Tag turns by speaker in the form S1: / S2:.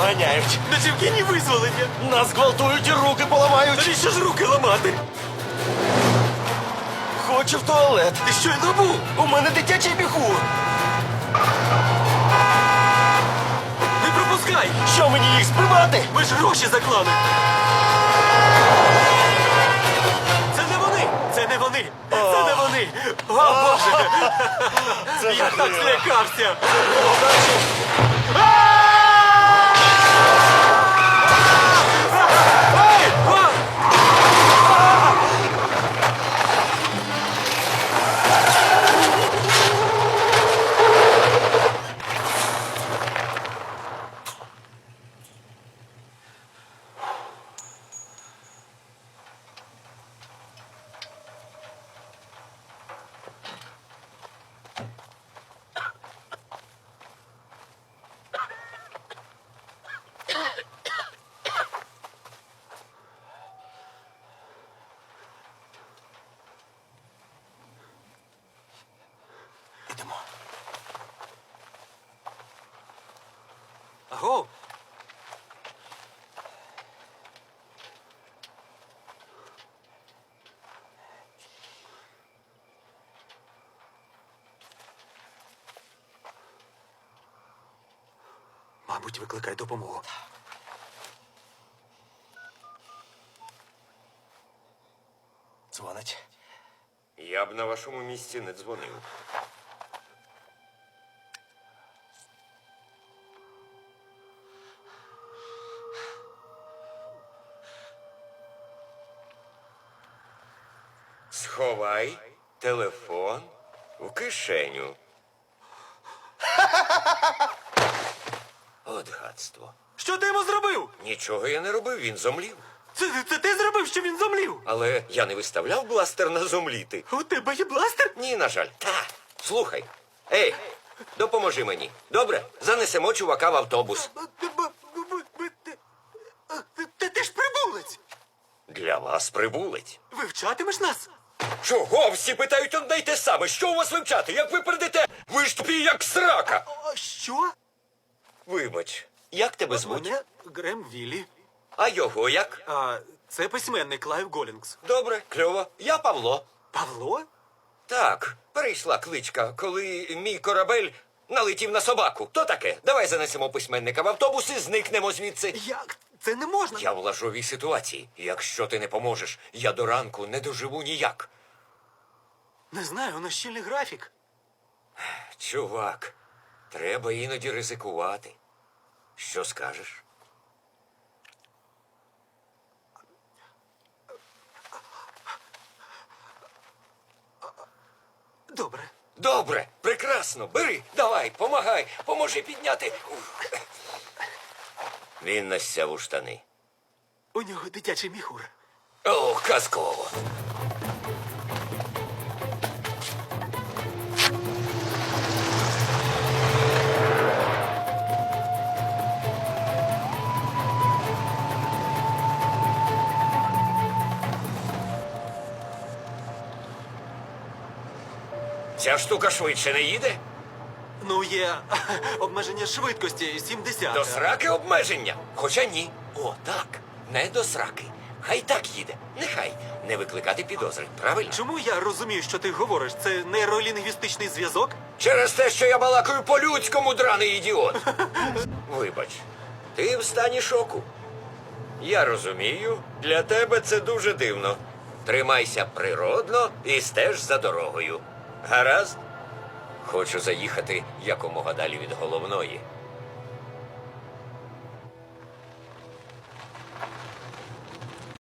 S1: доганяють.
S2: На Чевкіні визволення.
S1: Нас гвалтують і руки поламають.
S2: Навіщо ж руки ламати?
S1: Хочу в туалет.
S2: Ти щойно був.
S1: У мене дитячий міхур.
S2: Не пропускай.
S1: Що мені їх збивати?
S2: Ми ж гроші заклали. Це не вони. Це не вони. Це не вони. О, Боже. Я так злякався. Ей! О!
S1: Ідемо.
S2: Аго. Мабуть, викликай допомогу.
S1: Дзвонить.
S3: Я б на вашому місці не дзвонив. Сховай телефон в кишеню. От гадство.
S2: Що ти йому зробив?
S3: Нічого я не робив, він зомлів.
S2: Це ти зробив, що він зомлів?
S3: Але я не виставляв бластер на зомліти.
S2: У тебе є бластер?
S3: Ні, на жаль. Слухай. Ей, допоможи мені. Добре? Занесемо чувака в автобус.
S2: Ти ж прибулець!
S3: Для вас прибулець.
S2: Вивчатимеш нас?
S3: Чого? Всі питають одне й те саме. Що у вас вивчати? Як ви передете? Ви ж тупі, як срака.
S2: Що?
S3: Вибач, як тебе звуть?
S2: Мене Грем Віллі.
S3: А його як?
S2: А це письменник Лайв Голінгс.
S3: Добре, кльово. Я Павло.
S2: Павло?
S3: Так, перейшла кличка, коли мій корабель налетів на собаку. То таке. Давай занесемо письменника в автобус і зникнемо звідси.
S2: Як? Це не можна.
S3: Я в лажовій ситуації. Якщо ти не поможеш, я до ранку не доживу ніяк.
S2: Не знаю, у нас щільний графік.
S3: Чувак, треба іноді ризикувати. Що скажеш?
S2: Добре.
S3: Добре, прекрасно. Бери, давай, помагай, поможи підняти. Він насяв у штани.
S2: У нього дитячий міхур.
S3: О, казково. Ця штука швидше не їде?
S2: Ну, є обмеження швидкості 70.
S3: До сраки обмеження. Хоча ні. О, так. Не до сраки. Хай так їде. Нехай. Не викликати підозри. Правильно?
S2: Чому я розумію, що ти говориш? Це нейролінгвістичний зв'язок?
S3: Через те, що я балакаю по-людському, драний ідіот. Вибач, ти в стані шоку. Я розумію, для тебе це дуже дивно. Тримайся природно і стеж за дорогою. Гаразд? Хочу заїхати якомога далі від головної.